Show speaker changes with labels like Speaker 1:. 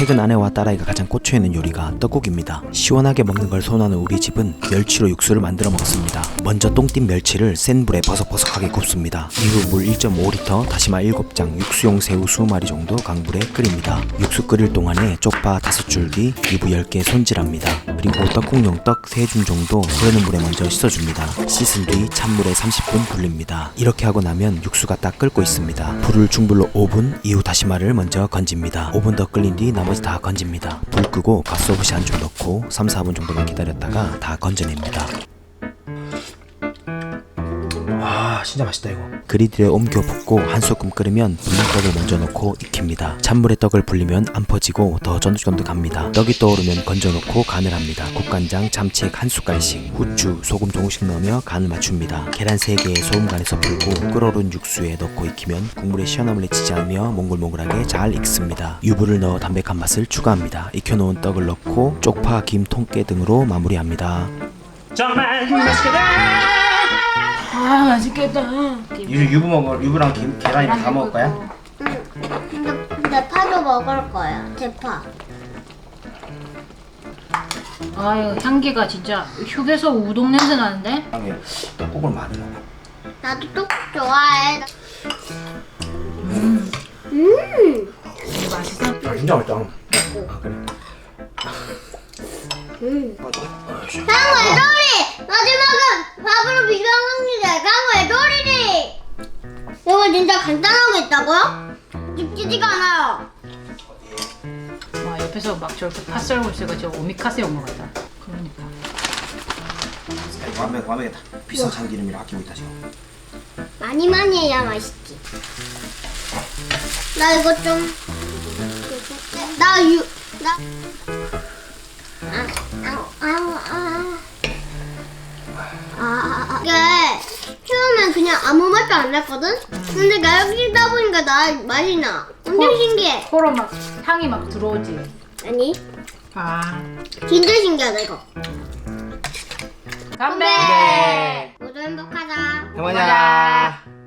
Speaker 1: 최근 아내와 딸아이가 가장 꽂혀있는 요리가 떡국입니다. 시원하게 먹는 걸 선호하는 우리 집은 멸치로 육수를 만들어 먹습니다. 먼저 똥띻 멸치를 센 불에 버석버석하게 굽습니다. 이후 물 1.5리터, 다시마 7장, 육수용 새우 20마리 정도 강불에 끓입니다. 육수 끓일 동안에 쪽파 5줄기, 유부 10개 손질합니다. 그리고 떡국용 떡 3줌 정도 흐르는 물에 먼저 씻어줍니다. 씻은 뒤 찬물에 30분 불립니다. 이렇게 하고 나면 육수가 딱 끓고 있습니다. 불을 중불로 5분, 이후 다시마를 먼저 건집니다. 5분 더 끓인 뒤 나머지 다 건집니다. 불 끄고 갓소부시 한 줌 넣고 3-4분 정도만 기다렸다가 다 건져냅니다. 진짜 맛있다 이거. 그리드에 옮겨 붓고 한 소끔 끓으면 불린 떡을 먼저 넣고 익힙니다. 찬물에 떡을 불리면 안 퍼지고 더 쫀득쫀득합니다. 떡이 떠오르면 건져 놓고 간을 합니다. 국간장, 참치액 한 숟갈씩, 후추, 소금 조금씩 넣으며 간을 맞춥니다. 계란 3개에 소금간에서 풀고 끓어오른 육수에 넣고 익히면 국물에 시원함을 내치지 않으며 몽글몽글하게 잘 익습니다. 유부를 넣어 담백한 맛을 추가합니다. 익혀놓은 떡을 넣고 쪽파, 김, 통깨 등으로 마무리합니다.
Speaker 2: 정말 맛있겠다.
Speaker 3: 아 맛있겠다.
Speaker 1: 유부랑 김, 계란이랑 다 먹을 거야?
Speaker 4: 응. 근데 파도 먹을 거야. 대파.
Speaker 3: 아유 향기가 진짜 휴게소 우동 냄새 나는데?
Speaker 1: 떡국을 많이 먹어.
Speaker 4: 나도 떡국 좋아해.
Speaker 3: 맛있어?
Speaker 1: 진짜 맛있다.
Speaker 4: 강호의 도리! 마지막은 밥으로 비벼 먹는데 강호의 도리리! 이거 진짜 간단하게 있다고요? 찝지지가 않아요.
Speaker 3: 와 옆에서 막 저렇게 팥 썰고 있으니까 저 오미카세 온 것 같다. 그러니까
Speaker 1: 완벽하다. 비싼 참기름이라 아끼고 있다 지금.
Speaker 4: 많이 해야 맛있지. 나 이거 좀... 이게 처음엔 그냥 아무 맛도 안 났거든? 근데 나 여기 있다 보니까 맛이 나. 엄청 신기해.
Speaker 3: 코로 막 향이 막 들어오지.
Speaker 4: 아니,
Speaker 3: 아
Speaker 4: 진짜 신기하다 이거.
Speaker 3: 건배.
Speaker 4: 모두 행복하자.
Speaker 1: 행복하자.